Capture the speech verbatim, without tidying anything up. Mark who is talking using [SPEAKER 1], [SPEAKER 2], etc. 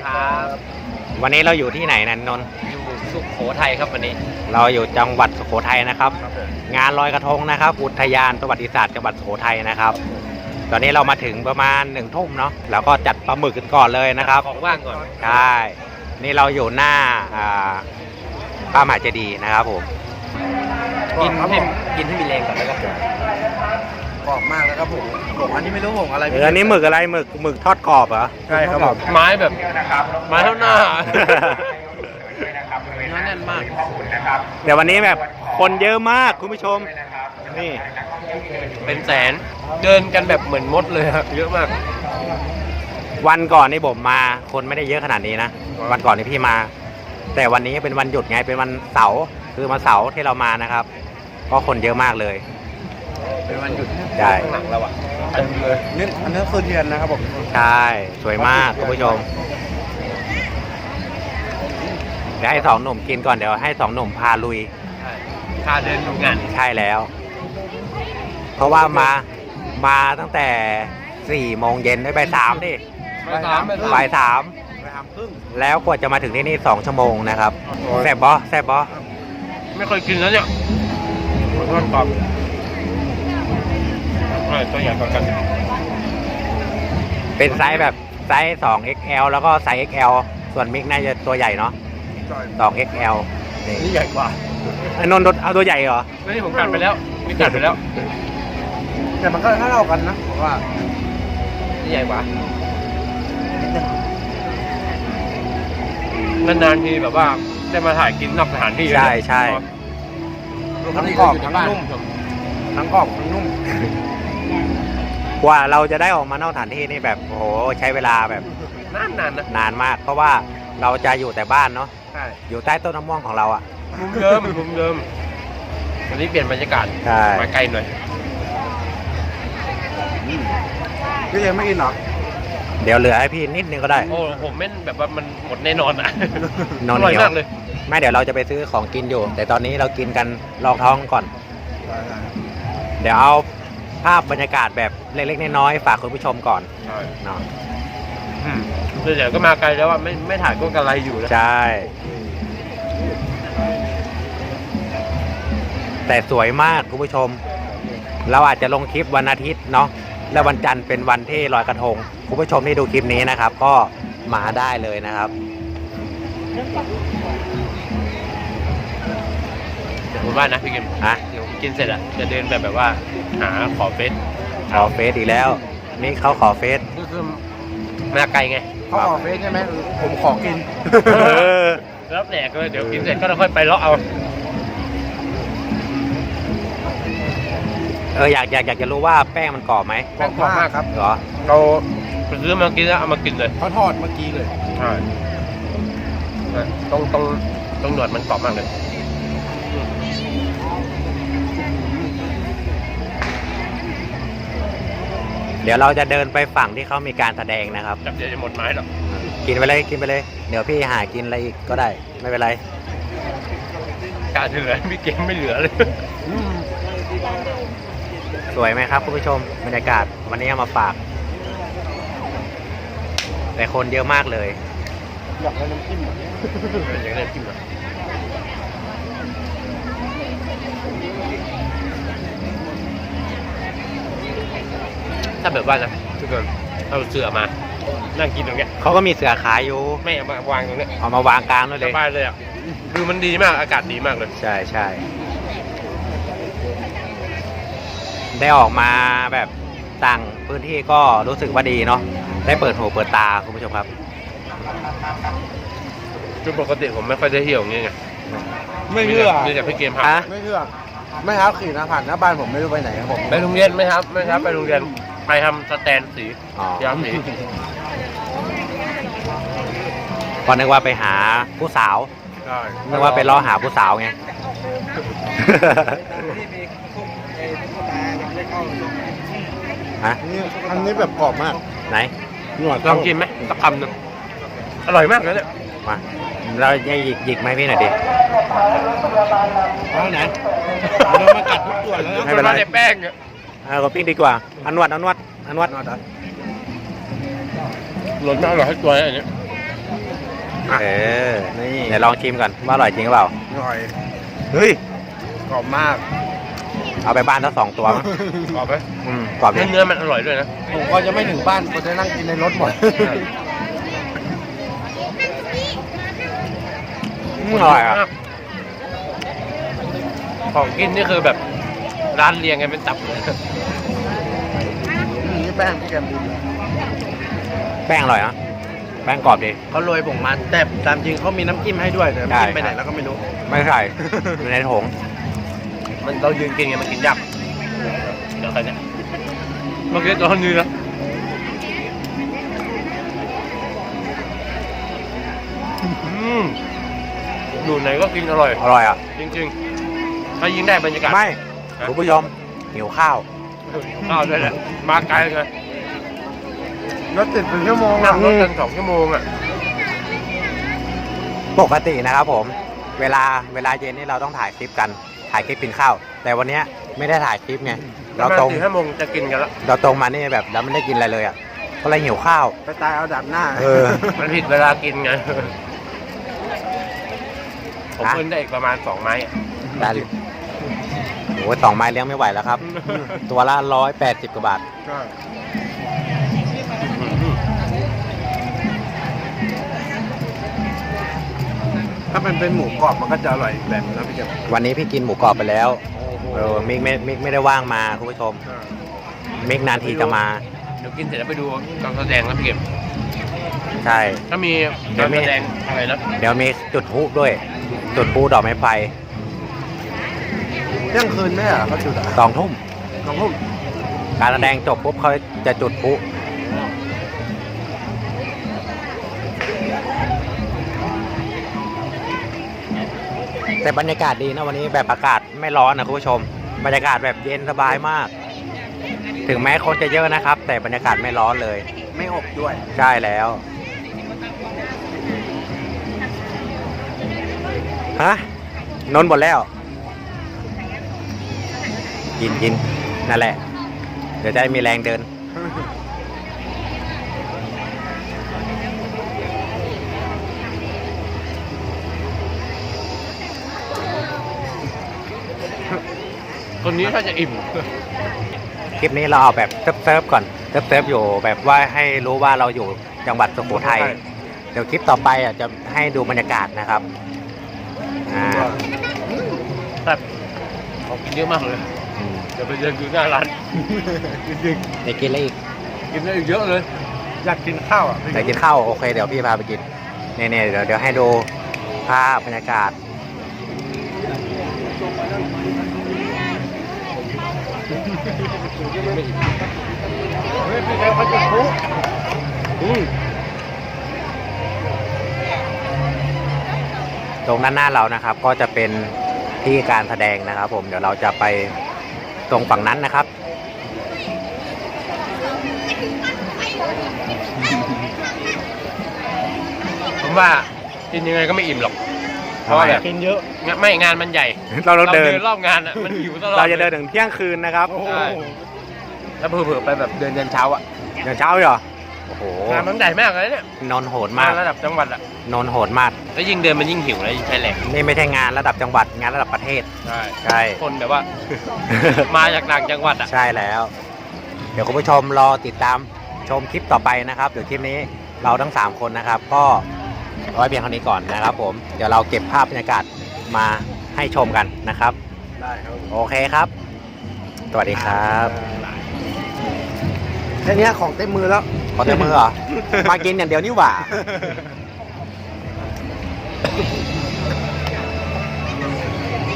[SPEAKER 1] ครับ
[SPEAKER 2] วันนี้เราอยู่ที่ไหนนันนนท์
[SPEAKER 1] อยู่สุโขทัยครับวันนี้
[SPEAKER 2] เราอยู่จังหวัดสุโขทัยนะครับ
[SPEAKER 1] ครับผม
[SPEAKER 2] งานลอยกระทงนะครับ อุทยานประวัติศาสตร์จังหวัดสุโขทัยนะครับ ตอนนี้เรามาถึงประมาณหนึ่งทุ่มเนาะแล้วก็จัดปลาหมึกกันก่อนเลยนะครับ
[SPEAKER 1] ของว่างก่อน
[SPEAKER 2] ใช่นี่เราอยู่หน้าอ่าพระมหาเจดีย์นะครับผม
[SPEAKER 1] กินให้กินให้มีแรงก่อนแล้วก็
[SPEAKER 3] กรอบมากแล้วครับผมผมอันนี้ไม่รู้ผมอะไร
[SPEAKER 2] เอออันนี้หมึกอะไรหมึกหมึกทอดกรอบเหรอ
[SPEAKER 3] ใช่ครับผม
[SPEAKER 1] ไม้แบบไม้เท่าหน้าเนื้อแน่นมาก
[SPEAKER 2] เดี๋ยววันนี้แบบคนเยอะมากคุณผู้ชมนี่
[SPEAKER 1] เป็นแสนเดินกันแบบเหมือนมดเลยครับเยอะมาก
[SPEAKER 2] วันก่อนนี่ผมมาคนไม่ได้เยอะขนาดนี้นะวันก่อนนี่พี่มา แต่วันนี้เป็นวันหยุดไงเป็นวันเสาร์คือวันเสาร์ที่เรามานะครับก็คนเยอะมากเลย
[SPEAKER 1] เป็นวันหยุด
[SPEAKER 2] ใช่
[SPEAKER 1] ข้างหลังเราอ่ะเต็มเลย
[SPEAKER 3] นี่อันนี้คือเทียนนะครับผม
[SPEAKER 2] ใช่สวยมากคุณผู้ชมเดี๋ยวให้สองหนุ่มกินก่อนเดี๋ยวให้สองหนุ่มพาลุย
[SPEAKER 1] ใช่พาเดินดูงาน
[SPEAKER 2] ใช่แล้ว เพราะว่ามามาตั้งแต่สี่โมงเย็นได้ไปสามดิ
[SPEAKER 1] ไปสามไปสาม
[SPEAKER 2] บ่ายสาม
[SPEAKER 3] ไปทำครึ่ง
[SPEAKER 2] แล้วกว่าจะมาถึงที่นี่สองชั่วโมงนะครับแซ่บบอแซ่บบอ
[SPEAKER 1] ไม่เคยกินแล้วเนี่ยทอดกรอบอร่อยตัวใหญ่กว่ากัน
[SPEAKER 2] เป็นไซส์แบบไซส์สอง เอ็กซ์ แอล แล้วก็ไซส์ เอ็กซ์ แอล ส่วนมิกน่าจะตัวใหญ่เนาะ สอง เอ็กซ์ แอล นี่
[SPEAKER 1] นี่ใหญ่กว่า
[SPEAKER 2] ไอ้นนท์เอาตัวใหญ่เหรอ
[SPEAKER 1] ไม่นี่ผมกัดไปแล้วมีกัดไปแล้ว
[SPEAKER 3] แต่มันก็เท่ากันนะผมว่า
[SPEAKER 1] นี่ใหญ่กว่า นานๆทีแบบว่าได้มาถ่ายกินนอกสถานที่
[SPEAKER 2] ใช่ใช่
[SPEAKER 3] ทั้งกรอบทั้งนุ่มทั้งกรอบทั้งนุ่ม
[SPEAKER 2] กว่าเราจะได้ออกมานอกสถานที่นี่แบบโอ้โหใช้เวลาแบบ
[SPEAKER 1] นานนานๆนะ
[SPEAKER 2] นานมาก เพราะว่าเราจะอยู่แต่บ้านเนาะ
[SPEAKER 1] ใช่
[SPEAKER 2] อยู่ใต้ต้นมะม่วงของเราอะ
[SPEAKER 1] มุมเดิมมุมเดิมวันนี้เปลี่ยนบรรยากาศ
[SPEAKER 2] ใช่
[SPEAKER 1] มาไกลหน่อย
[SPEAKER 3] พี่ยังไม่กินเหรอ
[SPEAKER 2] เดี๋ยวเหลือให้พี่นิดนึงก็ได้
[SPEAKER 1] โอ้ผมไม่แบบว่ามันหมดแน่นอนอ่ะ
[SPEAKER 2] นอน
[SPEAKER 1] อร่อย
[SPEAKER 2] เหนียว
[SPEAKER 1] มากเลย
[SPEAKER 2] ไม่เดี๋ยวเราจะไปซื้อของกินอยู่ แต่ตอนนี้เรากินกันลองท้องก่อน เดี๋ยวเอาภาพบรรยากาศแบบเล็กๆน้อยๆฝากคุณผู้ชมก่อน
[SPEAKER 1] ใช่
[SPEAKER 2] เนาะ
[SPEAKER 1] เดี๋ยวก็มาไกลแล้วว่าไม่ไม่ถ่ายก็กระไรอยู่นะ
[SPEAKER 2] ใช่ แต่สวยมากคุณผู้ชม เราอาจจะลงคลิปวันอาทิตย์เนาะและวันจันทร์เป็นวันที่ลอยกระทงคุณผู้ชมที่ดูคลิปนี้นะครับ ก็มาได้เลยนะครับ
[SPEAKER 1] เดี๋ยวผมว่านะพี่กิม
[SPEAKER 2] ฮะ
[SPEAKER 1] เดี๋ยวกินเสร็จอ่ะจะเดินแบบแบบว่าหาขอเฟซ
[SPEAKER 2] ขอเฟซอีกแล้ว นี่เขาขอเฟซ
[SPEAKER 1] ก็คือมาไกลไง
[SPEAKER 3] เขาขอเฟซใช่ไหมผมขอกิน
[SPEAKER 2] เออ
[SPEAKER 1] แล้วแหลกเลยเดี๋ยวกินเสร็จก็ค่อยไปเลาะเอา
[SPEAKER 2] เอออยากอยากอยากจะรู้ว่าแป้งมันกรอบไหม
[SPEAKER 3] แป้งกรอบมากครับ
[SPEAKER 2] เหรอ
[SPEAKER 1] เราไปซื้อมากินแล้วเอามากินเลย
[SPEAKER 3] เขาทอดเมื่อกี้เลย
[SPEAKER 1] ใช่ตรงตรงตรงหนวดมันกรอบมากเลย
[SPEAKER 2] เดี๋ยวเราจะเดินไปฝั่งที่เขามีการแสดงนะครับ
[SPEAKER 1] จับเดี๋ยวจะหมดไม้หรอก
[SPEAKER 2] กินไปเลยกินไปเลย เดี๋ยวพี่หากินอะไรอีกก็ได้ไม่เป็นไร
[SPEAKER 1] การเหลือพี่เกมไม่เหลือเลย
[SPEAKER 2] สวยไหมครับคุณผู้ชมบรรยากาศวันนี้เอามาฝาก แต่คนเยอะมากเลย
[SPEAKER 3] อยากได้น้ำจิ้ม
[SPEAKER 1] อย่างนี้จิ้มอ่ะถ้าแบบว่านะทุกคนเอาเสือมานั่งกินตรงเนี้ย
[SPEAKER 2] เขาก็มีเสือขายอยู่
[SPEAKER 1] ไม่เอามาวางตรงเนี้ย
[SPEAKER 2] เอามาวางกลางด้วย
[SPEAKER 1] ส
[SPEAKER 2] เลย
[SPEAKER 1] บายเลยอ่ะดูมันดีมากอากาศดีมากเลย
[SPEAKER 2] ใช่ใช่ได้ออกมาแบบต่างพื้นที่ก็รู้สึกว่าดีเนาะได้เปิดหูเปิดตาคุณผู้ชมครับ
[SPEAKER 1] คือปกติผมไม่ค่อยได้เที่ยวอย่างเงี้ยไง
[SPEAKER 3] ไม่เชื่อ
[SPEAKER 1] มีแต่พี่เกมพา
[SPEAKER 2] ฮะ
[SPEAKER 3] ไม่เชื่อไม่ครับขี่นะผ่านหน้าบ้านผมไม่รู้ไปไหนครับผม
[SPEAKER 1] ไปโรงเรียนไหมครับไม่ครับไปโรงเรียนไปทำสแตนสี
[SPEAKER 2] อ๋อ
[SPEAKER 1] ย้อมสี
[SPEAKER 2] ก็นึกว่าไปหาผู้สาว
[SPEAKER 1] ใช่
[SPEAKER 2] นึกว่าไปล่อหาผู้สาวไง ฮะ
[SPEAKER 3] นี่อันนี้แบบกรอบมาก
[SPEAKER 2] ไหน
[SPEAKER 3] หนวด
[SPEAKER 1] ลองกินไหมสักคำหนึ่งอร่อยมากเลยเนี่ย
[SPEAKER 2] มาเราจะหยิกหยิกไหมพี่หน่อยดิ
[SPEAKER 3] เอาไหนโดนมากัดทุกตัวแล้ว
[SPEAKER 2] ไม่เป็นไร
[SPEAKER 1] าแต่แป้งอะ
[SPEAKER 2] เอากดปิ้งดีกว่าอันนวดอันนวดอันนวด
[SPEAKER 3] นวดอ่ะ
[SPEAKER 1] หล่นมากอร่อยให้ตัวเนี่ยอันเนี้ย
[SPEAKER 2] เออ
[SPEAKER 3] นี่
[SPEAKER 2] เดี๋ยวลองชิมก่อนว่าอร่อยจริงหรือเปล่า
[SPEAKER 3] อร่อย
[SPEAKER 2] เฮ้ย
[SPEAKER 3] กรอบมาก
[SPEAKER 2] เอาไปบ้านทั้งสองตัวมั้ง
[SPEAKER 1] กรอบไหม
[SPEAKER 2] อืมกรอบ
[SPEAKER 1] เนื้
[SPEAKER 2] ดี
[SPEAKER 1] อเนื้อมันอร่อยด้วยนะ
[SPEAKER 3] ผมก็จะไม่ถึงบ้านก็จะนั่งกินในรถหมด
[SPEAKER 2] อืมอร่อยอ่ะ
[SPEAKER 1] ของกินนี่คือแบบร้านเรียงกันเป็นตับเลย
[SPEAKER 3] นี่แป้งพี่แกมดี
[SPEAKER 2] แป้งอร่อยนะแป้งกรอบดี
[SPEAKER 3] เขาโรยผงมันแต่ตามจริงเขามีน้ำจิ้มให้ด้วยแต่
[SPEAKER 2] ใช่
[SPEAKER 3] น้ำจิ้มไปไหนแล้วก็ไม่รู้
[SPEAKER 2] ไม่ใส่ อยู่ในถุง
[SPEAKER 1] มันเรายืนกินไงมันกินยากเดี๋ยวใครเนี่ยเมื่อกี้ตอนนี้นะอืมอยู่ไหนก็กินอร่อย
[SPEAKER 2] อร่อยอ่ะ
[SPEAKER 1] จริงๆ ถ้ายิ่งได้บรรยากาศ
[SPEAKER 2] ไม่คุณผู้ชมหิวข้าว
[SPEAKER 1] ข้าวด้วยแหละมาไกลเลย
[SPEAKER 3] รถติดเป็นชั่วโมง
[SPEAKER 1] นั่
[SPEAKER 3] อ่ะ
[SPEAKER 1] งรถกันสองชั่วโมงอ่ะ
[SPEAKER 2] ปกตินะครับผม เวลาเวลาเย็นนี่เราต้องถ่ายคลิปกัน ถ่ายคลิปกินข้าว แต่วันเนี้ยไม่ได้ถ่ายคลิปไง เราตรง
[SPEAKER 1] สี่ห้าโมงจะกินกันแล้ว
[SPEAKER 2] เราตรงมานี่แบบแล้วไม่ได้กินอะไรเลยอ่ะ ก็เลยหิวข้าว
[SPEAKER 3] ไปตายเอาดับหน้า
[SPEAKER 2] เออ
[SPEAKER 1] มันผิดเวลากินไง ผมเพิ่งได้อีกประมาณสองไม้อะ
[SPEAKER 2] ได้โอ้ยสองไม้เลี้ยงไม่ไหวแล้วครับ ตัวละร้อยแปดสิบกว่าบาท
[SPEAKER 3] ใช่ถ้ามันเป็นหมูกรอบมันก็จะอร่อยอีกแบบนะพี่แกม
[SPEAKER 2] วันนี้พี่กินหมูกรอบไปแล้ว เออ มิกไม่มิกไม่ได้ว่างมาคุณผู้ชม มิกนานทีจะมา
[SPEAKER 1] เดี๋ยวกินเสร็จแล้วไปดูการแสดงแล้วพี่เก็บ
[SPEAKER 2] ใช่
[SPEAKER 1] ถ้ามีการแสดงอะไรนะ
[SPEAKER 2] เดี๋ยวมีจุดพลุด้วย จุดพลุดอกไม้ไฟ
[SPEAKER 3] เที่ยงคืนเนี่ยเขาจุดอ่ะ
[SPEAKER 2] สองทุ่ม
[SPEAKER 3] สองทุ่ม
[SPEAKER 2] การแสดงจบปุ๊บเขาจะจุดพลุแต่บรรยากาศดีนะวันนี้แบบอากาศไม่ร้อนนะคุณผู้ชม บรรยากาศแบบเย็นสบายมาก ถึงแม้คนจะเยอะนะครับ แต่บรรยากาศไม่ร้อนเลย
[SPEAKER 3] ไม่อบด้วย
[SPEAKER 2] ใช่แล้ว ฮะ นนท์หมดแล้ว กินกินนั่นแหละ เดี๋ยวจะได้มีแรงเดิน
[SPEAKER 1] คนนี้ถ้าจะอิ่ม
[SPEAKER 2] คลิปนี้เราเอาแบบเซิร์ฟๆก่อนเซิร์ฟๆอยู่แบบว่าให้รู้ว่าเราอยู่จังหวัดสุโขทัย
[SPEAKER 1] ใช่
[SPEAKER 2] เดี๋ยวคลิปต่อไปอ่ะจะให้ดูบรรยากาศนะครับอ่า
[SPEAKER 1] แบบของกินเยอะมากเลย
[SPEAKER 2] อืม
[SPEAKER 1] เดี๋ยวไปเดินดูหน้าร้าน จริง
[SPEAKER 2] เดี๋ยวกินอะไรอีก
[SPEAKER 1] ๆกินได้อีกเยอะเลย
[SPEAKER 3] อยากกินข้าวอ่ะ
[SPEAKER 2] เดี๋ยวกินข้าวโอเคเดี๋ยวพี่พาไปกินเนี่ยๆเดี๋ยวเดี๋ยวให้ดูภาพบรรยากาศ
[SPEAKER 3] เฮ้ยพี่แกมเขาจุดพลุ
[SPEAKER 2] ตรงด้านหน้าเรานะครับ ก็จะเป็นที่การแสดงนะครับ ผมเดี๋ยวเราจะไปตรงฝั่งนั้นนะครับ
[SPEAKER 1] ผมว่ากินยังไงก็ไม่อิ่มหรอก เพราะว่าแบบ
[SPEAKER 3] กินเยอะ
[SPEAKER 1] งานไม่งานมันใหญ่
[SPEAKER 2] เราเราเดิน
[SPEAKER 1] รอบงานอ่ะมันหิวตลอด
[SPEAKER 2] เราจะเดินถึงเที่ยงคืนนะครับ
[SPEAKER 3] โอ้โห
[SPEAKER 1] ใช่แล้วเผื่อๆไปแบบเดินยันเช้าอ่ะ
[SPEAKER 2] เดี๋ยวเช้าเหรอโอ้โห
[SPEAKER 1] งานมันใหญ่มากเลยเนี่ย
[SPEAKER 2] นนโหดมาก
[SPEAKER 1] งานระดับจังหวัดอ่ะ
[SPEAKER 2] นนโหดมาก
[SPEAKER 1] แล้วยิ่งเดินมันยิ่งหิวแล้วยิ่งใช้แรง
[SPEAKER 2] นี่ไม่ใช่งานระดับจังหวัดงานระดับประเทศ
[SPEAKER 1] ใช่
[SPEAKER 2] ใช่
[SPEAKER 1] คนแบบว่า มาจากต่างจังหวัดอ่ะ
[SPEAKER 2] ใช่แล้ว เดี๋ยวคุณผู้ชมรอติดตามชมคลิปต่อไปนะครับเดี๋ยวคลิปนี้เราทั้งสามคนนะครับ ก็เอาไว้เพียงเท่านี้ก่อนนะครับ ผมเดี๋ยวเราเก็บภาพบรรยากาศมาให้ชมกันนะครับ
[SPEAKER 3] ได้ครับ
[SPEAKER 2] โอเคครับ สวัสดีครับ
[SPEAKER 3] แค่เนี้ยของเต็มมือแล้ว
[SPEAKER 2] ขอเต็มมือเหรอ มากินอย่างเดียวนี่หว่า